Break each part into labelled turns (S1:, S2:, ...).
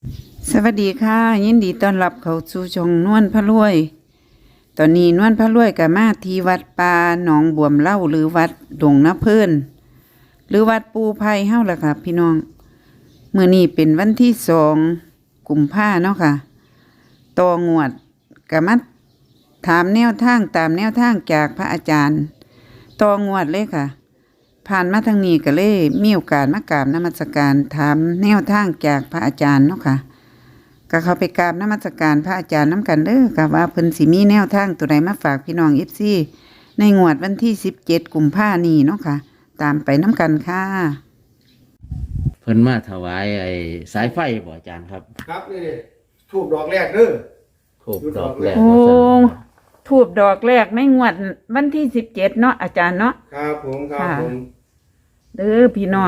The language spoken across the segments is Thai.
S1: สวัสดีค่ะยินดีต้อนรับเข้าสู่ช่องนวลพระรวย ตอนนี้นวลพระรวยกับมาที่วัดป่าหนองบวมเล่าหรือวัดดงน้ำเพิ่นหรือวัดปูไผ่เฮาล่ะค่ะพี่น้องมื้อนี้เป็นวันที่2 กุมภาเนาะค่ะต่องวดกับมาถามแนวทางตามแนวทางจากพระอาจารย์ต่องวดเลยค่ะ ผ่านมาทางนี้ก็เลยมีโอกาสมากราบนมัสการถามแนวทางจากพระอาจารย์เนาะค่ะก็เข้าไปกราบนมัสการพระอาจารย์น้ำกันเด้อค่ะว่าเพิ่นสิมีแนวทางตัวใดมาฝากพี่น้อง FC ในงวดวันที่17 กุมภาพันธ์นี้เนาะค่ะตามไปน้ำกันค่ะ
S2: เพิ่นมาถวายไอ้สายไฟบ่อาจารย์ครับ
S3: ครับนี่ทูบดอกแรกเด้อ
S2: ถูกดอกแรก
S1: โอ้
S2: ว่าซั่น
S1: ทูบดอกแรกในงวดวันที่17เนาะอาจารย์เนาะ
S3: ครับผมครับ
S1: ค่ะ
S3: ผม
S1: เด้อพี่น้อง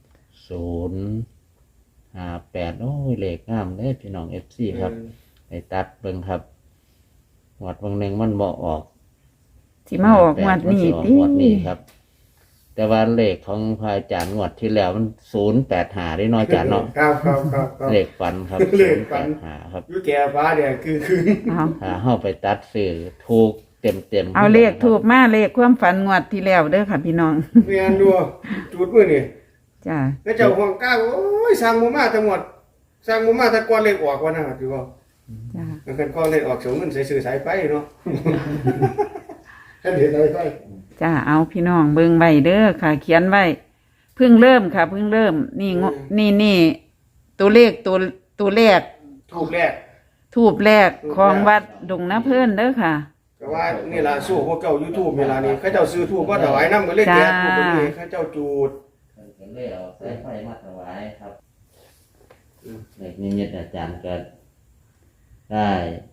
S2: 058โอ้ยเลขงามเด้อพี่น้อง FC ครับไปตัดเบิ่งครับงวดบางหนึงมันบ่ออก
S1: สิมาออกงวดนี้
S2: มั
S1: ติ
S2: สิออกงวดนี้ครับ แต่ว่าเลขของพระอาจารย์งวดที่แล้วมัน085ได้น้อยอาจารย์เนาะ
S3: ครับครับครับครับ
S2: เลขฝันครับ
S3: เลขฝัน
S2: 085ครับ
S3: อยู่แก่ฟ้าเนี่ยคือ
S1: เอา
S2: ถ้าเฮาไปตัดซื้อถูกเต็มๆ
S1: เอาเลขทูบมาเลขความฝันงวดที่แล้วเด้อค่ะพี่น้อง
S3: เมียนดูจุดมื้อนี่
S1: จ้า
S3: แล้วเจ้าห่วงก้าวโอ้ยสร้างหมู่มาทั้งหมดสร้างหมู่มาแต่ก่อนเลขออกว่านะถือว่า
S1: จ้า
S3: มันกันก่อนเลขออกสูงเงินใส่ซื้อสายไฟเนาะ ท่านเห็นอะไรไฟ
S1: จ้าเอาพี่น้องเบิ่งไว้เด้อค่ะ เขียนไว้เพิ่งเริ่มค่ะเพิ่งเริ่มนี่นี่ตัวเลขตัวแรก
S3: ทูบแรก
S1: ทูบแรกของวัดดงน้ำเพิ่นเด้อค่ะ
S3: ก็ว่านี่ล่ะสู้พวกเจ้า YouTube เวลานี้เขาเจ้าซื้อทูบบ่ถวายนำก็เลยแก่ทูบตัวนี้เขาเจ้าจูด
S2: ก็เลยเอาสายไฟมาถวายครับเลขนิมิตอาจารย์ก็ได้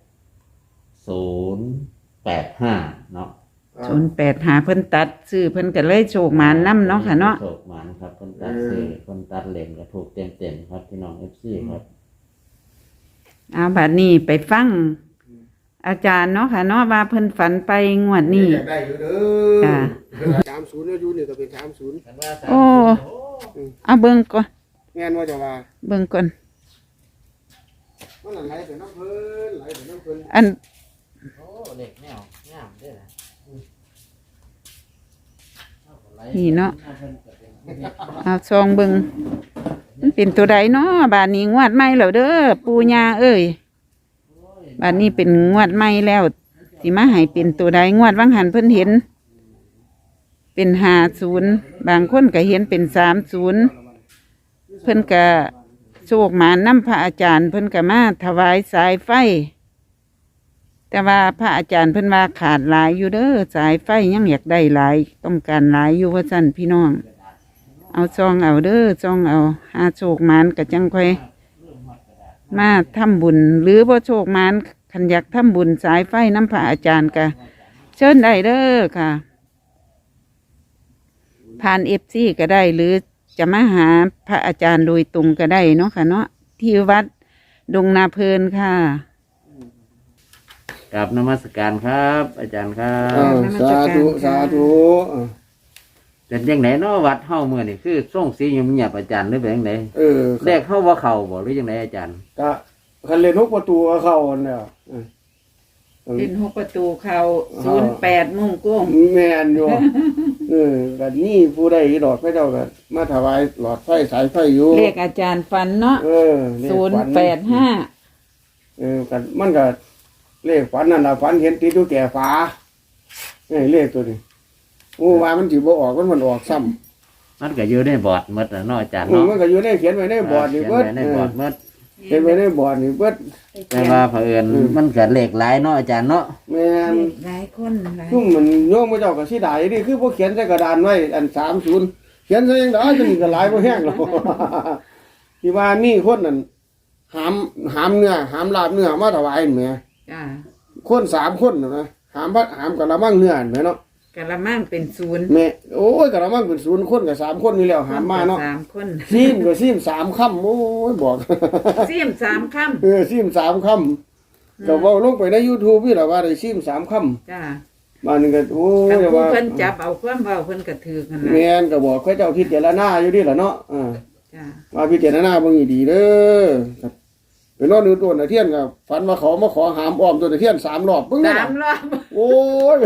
S2: 085เนาะ
S1: 085เพิ่นตัดซื้อเพิ่นก็เลยโชคหมานนำเนาะค่ะเนาะ
S2: โชคหมานครับคนตัดซื้อคนตัดเหล่มก็ถูกเต็มๆครับพี่น้อง FC ครับ
S1: เอาบัดนี้ไปฟังอาจารย์เนาะค่ะเนาะว่าเพิ่นฝันไปงวดนี้
S3: อยากได้อยู่เด้
S1: จ้ะ
S3: อ30อยู่นี่ก็เป็น30
S1: โอ้เอาเบิ่งก่อน
S3: แม่นว่าจะว่า
S1: เบิ่งก่อน
S3: มันไหลไปน้ำเพิ่นไหลไปน้ำเพิ่น
S1: อัน
S2: โอ้เลขแนวงามเด้อนะ
S1: นี่เนาะเอาซองเบิ่งมันเป็นตัวใดเนาะบาดนี้งวดใหม่แล้วเด้อปู่ย่าเอ้ยบาดนี้เป็นงวดใหม่แล้วสิมาให้เป็นตัวใดงวดวังหันเพิ่นเห็น เป็น50บางคนก็เห็นเป็น30เพิ่นก็โชคหมานำพระอาจารย์เพิ่นก็มาถวายสายไฟ แต่ว่าพระอาจารย์เพิ่นว่าขาดหลายอยู่เด้อสายไฟยังอยากได้หลายต้องการหลายอยู่ว่าซั่นพี่น้องเอาซองเอาเด้อซองเอาหาโชคหมานก็จังค่อยมาทำบุญหรือบ่โชคหมานคันอยากทำบุญสายไฟน้ำพระอาจารย์ก็เชิญได้เด้อค่ะผ่านFCก็ได้หรือจะมาหาพระอาจารย์โดยตรงก็ได้เนาะค่ะเนาะที่วัดดงนาเพลินค่ะ
S2: กราบนมัสการครับ อาจารย์ครั
S3: อ้า
S2: บ
S3: วสาธุสาธุ
S2: เป็นยังไงเนาะวัดเฮามื้อนี่คือส่งสีเงียบๆอาจารย์หรือเป็นจังได
S3: ค
S2: เล
S3: รับ
S2: ขเฮาบ่เข้าบ่หรือจังไดอาจารย์
S3: ก็คันเล่นนกประตูก็เข้าอันแล้ว
S1: เป็นหกประตูเขา08มุ่งกุ้ง
S3: แม่นอยู่ก็นี่ผู้ใดดอกพระเจ้าก็มาถวายหลอดไฟสายไฟอยู่
S1: เลขอาจารย์ฟันเนาะ
S3: เลขฝัน
S1: 085
S3: ก็มันก็เลขฝันนั่นล่ะฝันเห็นติดอยู่แก่ฝาเลขตัวนี้โอ้ว่ามันสิบ่ออกมันออกซ้ำ
S2: มันก็อยู่ในบอร์ดหมดน่ะเนาะอาจารย์
S3: มัน
S2: เนาะ
S3: ก็อยู่ในเขียนไว้ในบอร์ดนี่เบิด
S2: ขียนไว้ในบอร์ดหมด
S3: เขียนไว้ในบอร์ดนี่เบิด
S2: แต่ว่าเผอิญมันก็เลขหลายเนาะอาจารย์เนาะ
S3: แม่น
S1: หลายคนหลาย
S3: ซุ่มมันโยมพระเจ้าก็สิได้นี่คือบ่เขียนใส่กระดานไว้อัน30เขียนใส่จังได๋จังนี้ก็หลายบ่แห้งหรอก ที่ว่ามีคนนั่นหามเนื้อหามลาบเนื้อมาถวายแหม
S1: จ้า
S3: คน3คนน่ะนะหามกะละมังเนื้อแหมเนาะ
S1: กะละมังเป็น0
S3: แม่โอ้ยกะละมังเป็น0คนก็3คนนี่แล้วหามมาเนาะ
S1: 3คน
S3: ซีมก็ซีม3ค่ำโอ้ยบอก
S1: เสียม3คำ
S3: ซีม3ค่ำก็เว้าลงไปใน YouTube นี่ล่ะว่าได้ซีม3ค่ำ
S1: จ้า
S3: บ้านนึงก็โอ้
S1: คัน
S3: ย
S1: ผู้
S3: ว่า
S1: เพิ่นจับเอาความเว้าเพิ่นก็ถือกันล่ะ
S3: แม่นก็บอกเขาเจ้าพิจารณาอยู่นี่ล่ะเนาะ
S1: จ้า
S3: ว่าพิจารณาเบิ่งให้ดีเด้อไปนอนอยู่ต้นตะเคียนก็ฝันว่าเขามาขอหามอ้อมต้นตะเคียน3 รอบปึ้ง
S1: สามรอบ
S3: โอ้ย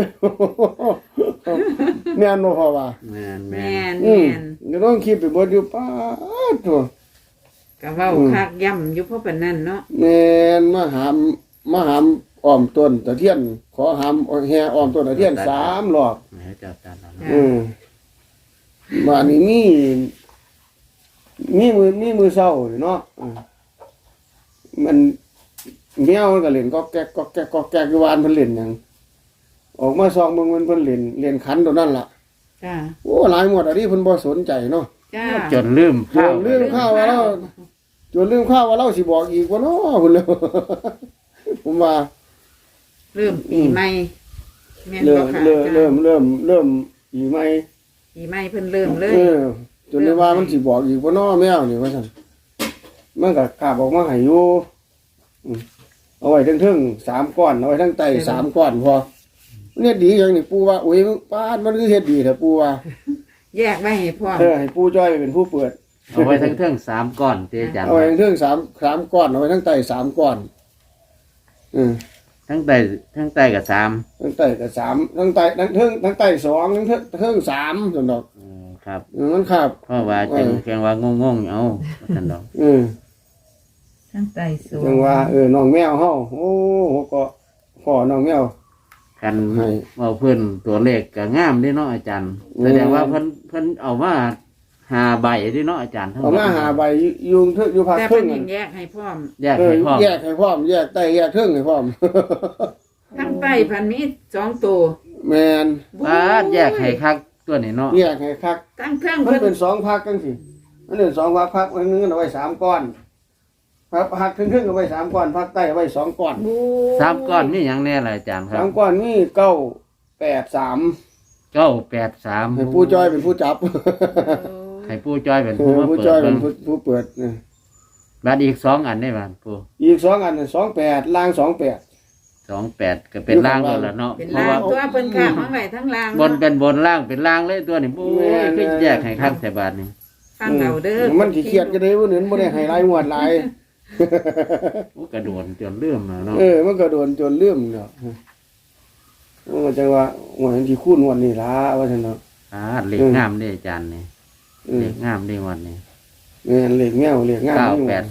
S3: แม่นบ่พอว่า
S2: แม่น
S1: แม
S2: แม่น
S1: น
S3: อื
S1: แม
S3: ม
S1: น
S3: ก็ต้องคิดไปเบิดอยู่ป้าดโตัว
S1: ก็เว้าคักย่ำอยู่เพราะปานนั้นเนาะ
S3: แม่นมาหามอ้อมต้นตะเคียนขอหามแห่อ้อมต้นตะเคียน3 รอบ
S2: ให้เจ้าตาแล้ว
S3: บ้านนี้มีมือเศร้าเนาะมันแมวมันก็เล่นก็แก๊กก็แก๊กก็แก๊กอยู่วานเพิ่นเล่นหยังออกมาซองเบิ่งมันเพิ่นเล่นขันตัวนั้นล่ะ
S1: จ้า
S3: โอ้หลายหมดอันนี้เพิ่นบ่สนใจเนาะ
S1: จ้า
S2: จนลืม
S3: จนลืมข้าวว่าเราสิบอกอีกว่าเนาะพุ่นแล้ว ผมว่า
S1: เริ่มปีใหม่แม่น
S3: เริ่
S1: บ่
S3: ม
S1: ค่ะ
S3: เริ่มอีกไหม
S1: ปีใหม่เพิ่นเริ่มเลย
S3: จนได้ว่ามันสิบอกอีกว่าเนาะแมวนี่ว่าซั่นมันก็กล้าบอกมาให้อยู่เอาไว้เทิงๆ3 ก้อนเอาไว้ทั้งไต3 ก้อนพอเนี่ยดีอย่างนี้ปู่ว่าโอ้ยป้าดมันคือเฮ็ดดีแท้ปู่ว่า
S1: แยกไว้ให้พร้อม
S3: ให้ปู่จ้อยเป็นผู้เปิด
S2: เอาไว้ทั้งเทิง3ก้อนเตอาจารย์
S3: เอาไว้เทิง3 ก้อนเอาไว้ทั้งไต3 ก้อน
S2: ทั้งใต้กับ3
S3: ทั้งไตก็3ทั้งไตทั้งไต2ทั้งเทิง3ซั่นดอก
S2: ครับ
S3: มันครับ
S2: เพราะว่าจังว่างงๆเอาท่านดอก
S1: ทั้งไตสูง
S3: จังว่าน้องแมวเฮาโอ้ก็พ่อน้องแมว
S2: กัน
S3: ให้
S2: เอาเพิ่นตัวเลขก็งามเด้เนาะอาจารย์แสดงว่าเพิ่นเอามา5 ใบเด้เนาะอาจารย์ทั้งหม
S3: เอา
S2: ด
S3: มาหาใบยุงเถอะอยู่ภาค
S1: แต่
S3: ครึ่
S1: เพิ่น
S3: ง
S1: ยังแยกให้พร้อม
S2: แยกให้พร้อม
S3: แยกให้พร้อมแยกไตแยกครึ่งให้พร้อม
S1: ทั้งไตพันมี2ตัว
S3: แมน
S2: ปาดแยกให้คักตัวนี้เนาะ
S3: แยกให้คัก
S1: ตั้งเครื่อง
S3: มัน
S1: เพิ่น
S3: เป็น2 ภาคจังซี่มันเป็น2 ภาคภาคนึงเอาไว้3 ก้อนภาคครึ่งเอาไว้3 ก้อนภาคใต้เอาไว้2 ก้อน
S2: 3ก้อนมีหยังแน่ล่ะอาจารย์ครับ
S3: 3 ก้อนมี983
S2: 983
S3: ให้ผู้จ้อยเป็นผู้จับ
S2: ให้ผู้จ้อยเป็นผู้มา
S3: ผู้
S2: เปิ
S3: จ้อย
S2: ด
S3: เป็
S2: เบิ่
S3: น
S2: ง
S3: ผู้เปิด
S2: บัดอีก2อันได้บ่ปู่
S3: อีก2 อัน28ล่าง28
S2: 28ก็เป็นล่างแล้วล่ะเนาะ
S1: เป็น
S2: เพราะ
S1: ลาง
S2: ว่า
S1: ตัวเพิ่นข้ามมาไว้ทั้งลาง
S2: บนเป็นบนล่างเป็นล่างเลยตัวนี้โอ้ยคือแยกให้คักแต่บาดนี้
S1: ฟังเอาเด้อ
S3: มันขี้เกียจจะได้บ่เหนือนบ่ได้ให้หลายงวดหลาย
S2: โอ้กระโดดจนเลื่อมแล้วเนาะ
S3: มันก็โดนจนลืมเนาะมันก็จังว่าหวนที่คูณงวดนี้ล่ะว่าซั่นเนาะ
S2: เลขงามเด้อาจารย์นี่เลขงามเด้วันนี้
S3: แม่นเลขแมวเลขงาม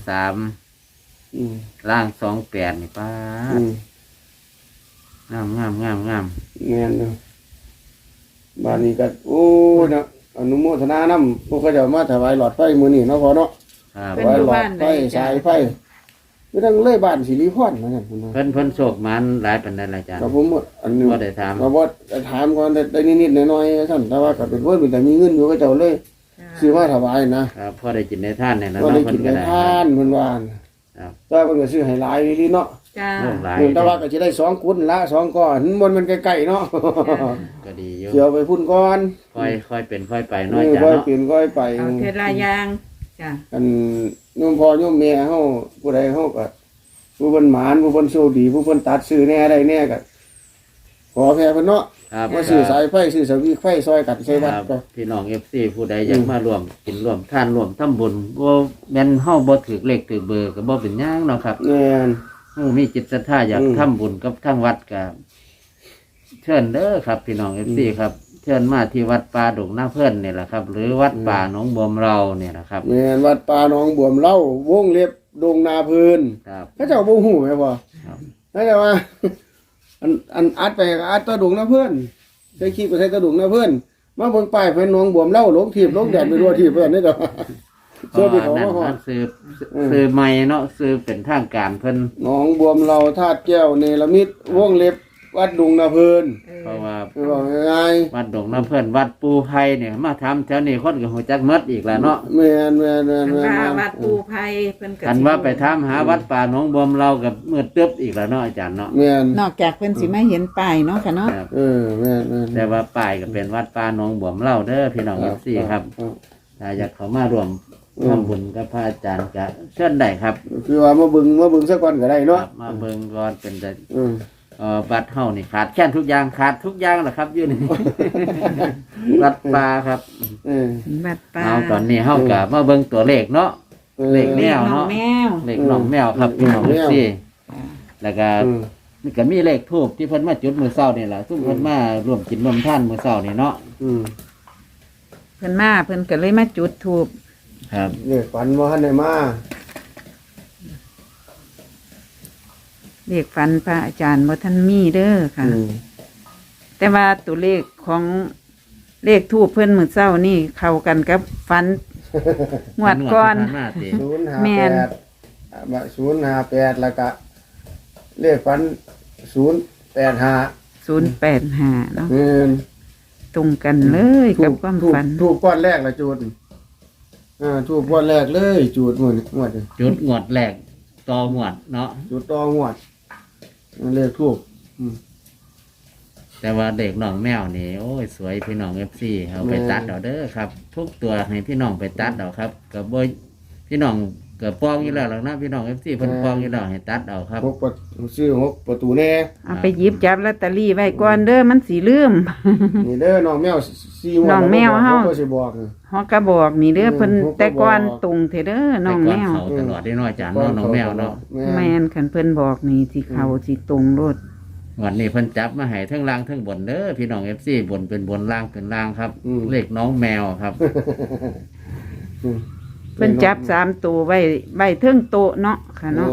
S2: 983
S3: อืม
S2: ล่าง28นี่ป้า
S3: อืม
S2: งาม
S3: แม่นเนาะบ้านนี้ก็โอ้เนาะอนุโมทนานำพวกเขาเจ้ามาถวายหลอดไฟมื้อนี้เนาะพอเนาะ
S2: ครับ
S3: ถวายหลอดไฟสายไฟคือทั้งเลยบ้านสิริพรนั่นน่ะ
S2: เพิ่นโชคมันหลายปานใดล่ะอาจารย์
S3: ก็ผมอันนี้
S2: บ่ได้ถาม
S3: ก็บ่ถามก่อนได้นิดๆหน่อยๆซั่นแต่ว่าก็เป็นคนเป็นแต่มีเงินอยู่ก็เจ้าเลยซื้อมาถวายนะครับ
S2: พอได้กินได้ทานเนี่ยนะ
S3: ก็
S2: เนาะ
S3: ได้
S2: เพิ่
S3: กิ
S2: น
S3: น
S2: ก็
S3: ได้
S2: ได้
S3: ทานเพิ่นว่า
S2: ครับ
S3: แต่เพิ่นก็ซื้อให้หลายดีเนาะ
S1: จ้า
S2: โอ้หลาย
S3: แต่ว่าก็สิได้2กุนละ2ก้อนมันมันใกล้ๆเนาะ
S2: ก็ดีอยู่
S3: เดี๋ยวไปพุ่นก่อน
S2: ค่อยเป็นค่อยไปเนาะอาจาร
S3: ค่อย
S2: ย์เนาะ
S3: เปลี่ยนค่อยไป
S1: เอาเทลายางจ้า
S3: อันโยมพ่อโยมแม่เฮาผู้ใดเฮาก็ผู้เพิ่นหมานผู้เพิ่นโชคดีผู้เพิ่นตัดซื้อแน่ได้แน่ก็ขอแพ้เพิ่นเนาะ
S2: ครับ
S3: มาซื้อสายไฟซื้อสวิกไฟซอยกันใส่
S2: ค
S3: วัด
S2: รับ
S3: ก็
S2: พี่น้อง FC ผู้ใดอยากมาร่วมกินร่วมทานร่วมทำบุญบ่แม่นเฮาบ่ถูกเลขถูกเบอร์ก็บ่เป็นหยังเนาะครับ
S3: แม่น
S2: เฮามีจิตศรัทธาอยากทำบุญกับทางวัดก็เชิญเด้อครับ พี่น้อง FC ครับเชิญมาที่วัดป่าดงนาเพิ่นนี่แหละครับ หรือวัดป่าหนองบวมเราเนี่ยนะครับ
S3: แม่นวัดป่าหนองบวมเล่าวงเล็บดงนาพื้น
S2: ครับ
S3: เขาเจ้าบ่ฮู้แม่บ่
S2: ครับ
S3: เขาเจ้าว่า อันอัดไปก็อัดตัวดงนาเพิ่นใส่คลิปก็ใส่ตัวดงนาเพิ่นมาเบิ่งป้ายเพิ่นหนองบวมเล่าลงทีบลงแดดไปรัวทีบเพิ่นนี่ดอก
S2: เพ
S3: เสื้อ
S2: ราะ
S3: ไป
S2: ว่า
S3: ของ
S2: นั่น
S3: มาฮอ
S2: มั
S3: ด
S2: นซื้อใหม่เนาะซื้อเป็นทางการเพิ่น
S3: หนองบวมเราธาตุแก้วเนรมิตวงเล็บวัดดงนาเพิ่น
S2: เพราะว่า
S3: คือบอกง่าย
S2: วัดดงน้ำเพิ่นวัดปูไผ่เนี่ยมาทำแถวนี้คนก็ฮู้จักหมดอีกแล้วเนาะ
S3: ๆแม่นแม่นแม่น
S1: คัน
S3: แม่น
S1: ว่า
S3: แม่น
S1: วัดปูไผ่เพิ่นก็
S2: กันว่าไปถามหาวัดป่าหนองบวมเรากับมืดตึ๊บอีกแล้วเนาะอาจารย์เนาะ
S3: แม่น
S1: นอกจากเพิ่นสิมาเห็นป้ายเนาะค่ะเนาะ
S2: ครับ
S3: แม่นแม่น
S2: แต่ว่าป้ายก็เป็นวัดป่าหนองบวมเราเด้อพี่น้อง FC ครับถ้าอยากเข้ามาร่วมทำบุญกับพระอาจารย์ก็เชิญได้ครับ
S3: คือว่ามาเบิ่งสักก่อนก็ได้
S2: ค
S3: เนาะ
S2: รับมาเบิ่งก่อนเป็นแต่
S3: อืม
S2: บัตรเฮานี่ขาดแค่นทุกอย่างขาดทุกอย่างแหละครับอยู่นี่ วัดป่าครับ
S3: เออ
S1: วัดป่า
S2: เอาตอนนี้เฮาก็มาเบิ่งตัวเลขเนาะเลขแมว
S1: น้อง
S2: เนาะ
S1: แมว
S2: เลขน้องแมวครับพี่น้อง
S3: แมว
S2: ซี่แล้วก็
S3: อืม
S2: นี่ก็มีเลขทูบที่เพิ่นมาจุดมื้อเช้านี่ล่ะซุ่มเพิ่นมาร่วมกินร่วมทานมื้อเช้านี่เนาะ
S3: อืม
S1: เพิ่นมาเพิ่นก็เลยมาจุดธูป
S2: ครับ
S3: เลขฝันบ่ทันได้มา
S1: เลขฝันพระอาจารย์บ่ทันมีเด้อค่ะ
S3: อืม
S1: แต่ว่าตัวเลขของเลขทูปเพิ่นมื้อเช้านี่เข้ากันกับฝันงวดก่อน
S2: ที่ผ่ามาติ
S1: แม่น
S3: 058แล้วก็เลขฝัน085
S1: 085เนาะ
S3: แม่น
S1: ตรงกันเลยกับความฝัน
S3: ถูกก้อนแรกละจูดถูกก้อนแรกเลยจูดมื้อนี้งวดนี้
S2: จุดงวดแรกต่องวดเนาะ
S3: จูดต่องวดเลขถูก
S2: แต่ว่าเด็กน้องแมวนี่โอ้ยสวยพี่น้อง FC เอาไปตัดเอาเด้อครับ ทุกตัวให้พี่น้องไปตัดเอาครับก็บ่พี่น้องก็ป้องอยู่แล้วหรอกนะพี่น้อง FC เพิ่นป้องอยู่แล้วให้ตัดเอาครับ
S3: 6ประซื้อ6ประตูแน่
S1: เอาไปหยิบจับลอตเตอรี่ไว้ก่อนเด้อมันสิลืม
S3: นี่เด้อน้องแมว4งวด
S1: น้องแมวเฮา
S3: ก็สิบอก
S1: ฮอกก็บอกนี่เด้อเพิ่น
S3: ฮอกก็บอก
S1: แต่ก่อนตรงเถอะเด้อน้องแมว
S2: เขาตลอดได้น้อยจานเนาะน้องแมวเนาะ
S1: แม่นคันเพิ่นบอกนี่สิเข้าสิตรงโลด
S2: วันนี้เพิ่นจับมาให้ทั้งล่างทั้งบนเด้อพี่น้อง FC บนเป็นบนล่างเป็นล่างครับ เลขน้องแมวครับ
S1: เพิ่นจับ3ตัวไว้เทิงโต๊ะเนาะค่ะเนาะ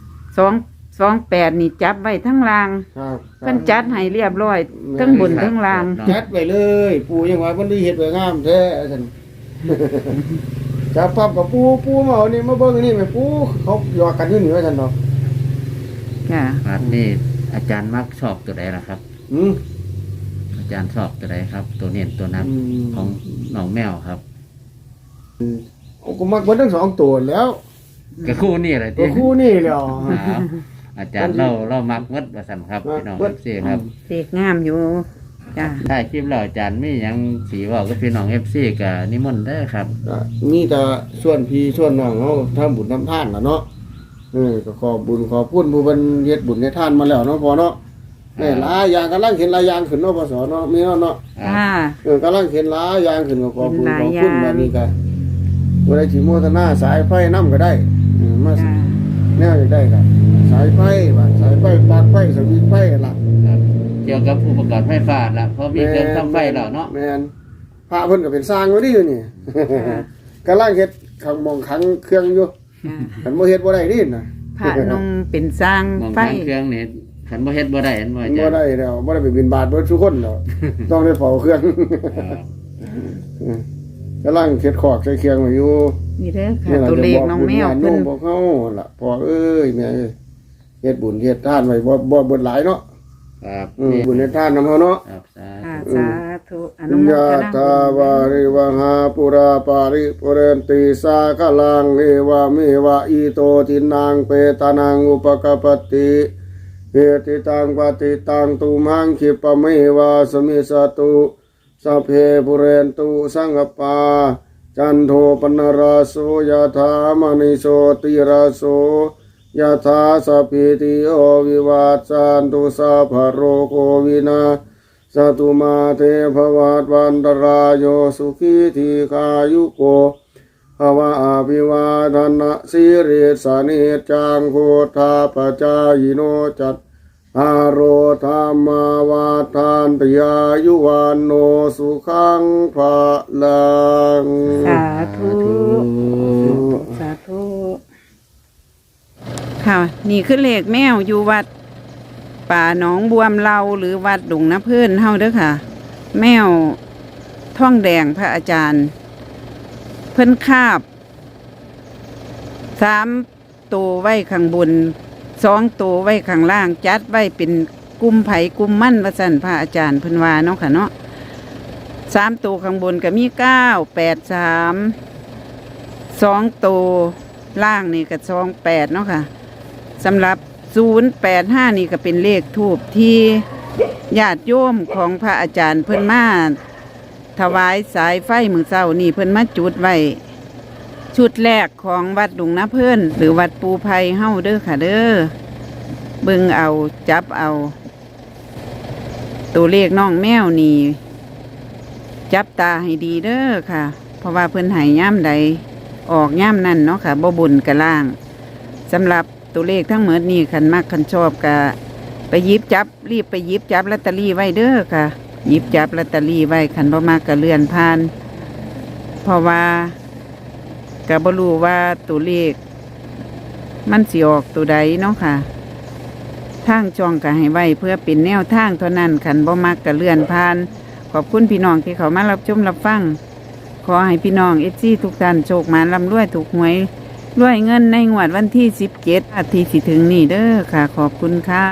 S1: 228นี่จับไว้ทั้งล่าง
S3: ครับ
S1: เพิ่นจัดให้เรียบร้อยทั้งบนทั้งล่าง
S3: จัดไปเลยปู่ยังว่าเพิ่นได้เฮ็ดไว้งามแท้ซั่น จับปั๊บกับปู่มาเอานี่มาเบิ่งนี่แม่ปู่เขาหยอกกันอยู่นี่ว่าซั่นเนาะ
S1: จ้ะ
S2: ครับนี่อาจารย์มักชอบตัวใดล่ะครับ
S3: อืม
S2: อาจารย์ชอบตัวใดครับ ตัวเน้นตัวนับของน้องแมวครับ
S3: ผมก็มักเบิดทั้งสองตัวแล้ว
S2: ก็คู่นี่แหละ
S3: ตัว
S2: ที่
S3: คู่นี่แล้ว
S2: ครับอาจารย์เรามักวัดว่าสั่นครับพี่น้อง FC ครับ
S1: เด็กงามอยู่จ้ะ
S2: ถ้าคลิปเราอาจารย์มีหยังสีเว่ากับพี่น้อง FC ก็นิมนต์เด้อครับ
S3: มีแต่ส่วนพี่ส่วนน้องเฮาทำบุญทำทานล่ะเนาะก็ขอบุญขอพูนผู้เพิ่นเฮ็ดบุญเฮ็ดทานมาแล้วเนาะพอเนาะนี่หลายอย่างกำลังเห็นหลายอย่างขึ้นเนาะพศเนาะมีเนาะ
S1: จ้า
S3: กำลังเห็นหลายอย่างขึ้นก็ขอบุญ
S1: เห็นห
S3: ข
S1: ลา
S3: อย บคุณ
S1: อย่าง
S3: แบบนี้ก็บ่ได้สิโมทนาสายไฟนำก็ได้มา
S1: จ้า
S3: แนวได้ก็สายไฟว่าสายไฟปลั๊กไฟสวิตช์ไฟล่ะ
S2: ครับเกี่ยวกับอุปกรณ์ไฟฟ้าละเพราะมีเครื่องทำไฟแล้วเนาะ
S3: แม่นพระเพิ่นก็เป็นสร้างไว้ดิอยู่นี่ กำลังเฮ็ดขังมองขังเครื่องอยู่
S1: จ้า
S3: คันบ่เฮ็ดบ่ได้ดิน่ะ
S1: พระนมเป็นสร้าง
S2: มอง
S1: ไฟ
S2: ทางเครื่องนี่ขันบ่เฮ็ดบ่ได้เห็นบ่อาจา
S3: บ่
S2: รย์
S3: ได้แล้วบ่ได้ไปบินบาตเบิดทุกคน แล้วต้องได้เฝ้าเครื่อง
S2: ครับ
S3: กำลังเฮ็ดขอกใส่เครื่องไว้อยู่
S1: นี่เด้อค่ะตัวเลขน้องแมว
S3: เพิ่
S1: เพิ่
S3: น
S1: น
S3: บอกเฮาล่ะพ่อเอ้ยแม่เอ้ยเฮ็ดบุญเฮ็ดทานไว้บ่เบิดหลายเนาะ
S2: ครับ
S3: บุญเฮ็ดทานนำเฮาเนาะ
S2: ครับสา
S1: ค่ะ
S2: ธุ
S1: สาธุอนุโม
S3: ยะ
S1: ทนา
S3: ตาวาริวหาปุราปาริปุเรนติสาคลังเอวะเมวะอิโตทินังเปตานังอุปกปปติเหติตังปฏิตังตุมังคิปะเมวะสมิสตุสัพเพปุเรนตุสังกปาจันโทปนราโสยะถามณิโสติราโสยะถาสัพพิติโยวิวัตสันตุสัพพะโรโควินาสตุมาเทภวัตวันตรายโยสุขีทีคายุโกภวะอภิวาทนะสิริสานิจจังโคทาปจายโนจัตอารโรธรรมาวาทานตยายุวันโนสุขังภาลัง
S1: สาธุสาธุค่ะนี่คือเลขแมวอยู่วัดป่าหนองบวมเราหรือวัดดงน้ำเพื่อนเฮาเด้อค่ะ แมวท่องแดงพระอาจารย์ เพิ่นคาบ3ตัวไว้ข้างบน2ตัวไว้ข้างล่างจัดไว้เป็นกลุ่มไผ่กลุ่มมั่นว่าซั่นพระอาจารย์เพิ่นว่าเนาะค่ะเนาะ3ตัวข้างบนก็มี983 2ตัวล่างนี่ก็28เนาะค่ะสำหรับ085นี่ก็เป็นเลขทูปที่ญาติโยมของพระอาจารย์เพิ่นมาถวายสายไฟมื้อเช้านี่เพิ่นมาจุดไว้ชุดแรกของวัดดงน้าเพิ่นหรือวัดปูไพเฮาเด้อค่ะเด้อเบิ่งเอาจับเอาตัวเลขน้องแมวนี่จับตาให้ดีเด้อค่ะ เพราะว่าเพิ่นให้ย่ำใดออกย่ามนั่นเนาะค่ะบ่บนกะล่างสำหรับตัวเลขทั้งหมดนี้คันมักคันชอบกะไปหยิบจับรีบไปหยิบจับลอตเตอรี่ไว้เด้อค่ะหยิบจับลอตเตอรี่ไว้คันบ่มากกะเลื่อนผ่าน เพราะว่ากะบ่รู้ว่าตัวเลขมันสิออกตัวใดเนาะค่ะทางช่องก็ให้ไว้เพื่อเป็นแนวทางเท่านั้นคันบ่มักกะเลื่อนผ่านขอบคุณพี่น้องที่เขามารับชมรับฟังขอให้พี่น้องFCทุกท่านโชคมาร่ำรวยถูกหวยรวยเงินในงวดวันที่17อาทิตย์สิถึงนี้เด้อค่ะขอบคุณค่ะ